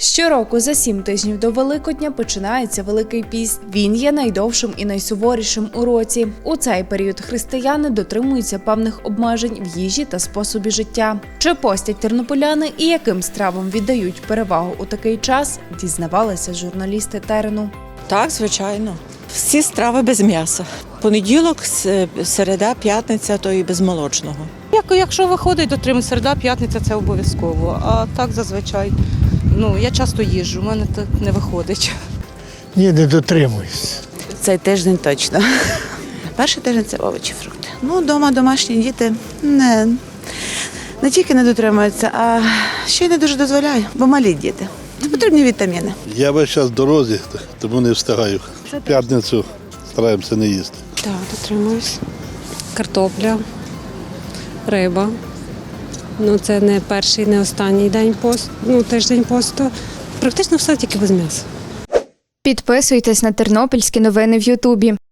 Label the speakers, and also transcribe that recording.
Speaker 1: Щороку за 7 тижнів до Великодня починається Великий піст. Він є найдовшим і найсуворішим у році. У цей період християни дотримуються певних обмежень в їжі та способі життя. Чи постять тернополяни і яким стравам віддають перевагу у такий час, дізнавалися журналісти терену.
Speaker 2: Так, звичайно. Всі страви без м'яса. Понеділок, середа, п'ятниця, то і без молочного.
Speaker 3: Якщо виходить, дотримуюсь, середа, п'ятниця – це обов'язково. А так зазвичай, я часто їжджу, у мене так не виходить.
Speaker 4: Ні, не дотримуюсь.
Speaker 5: Цей тиждень точно. Перший тиждень – це овочі, фрукти. Вдома домашні діти не тільки не дотримуються, а ще й не дуже дозволяю, бо малі діти. Потрібні вітаміни.
Speaker 6: Я весь час в дорозі, тому не встигаю. В п'ятницю стараємося не їсти.
Speaker 7: Так, дотримуюсь. Картопля, риба. Це не перший, не останній день посту, тиждень посту. Практично все тільки без м'яса.
Speaker 8: Підписуйтесь на тернопільські новини в Ютубі.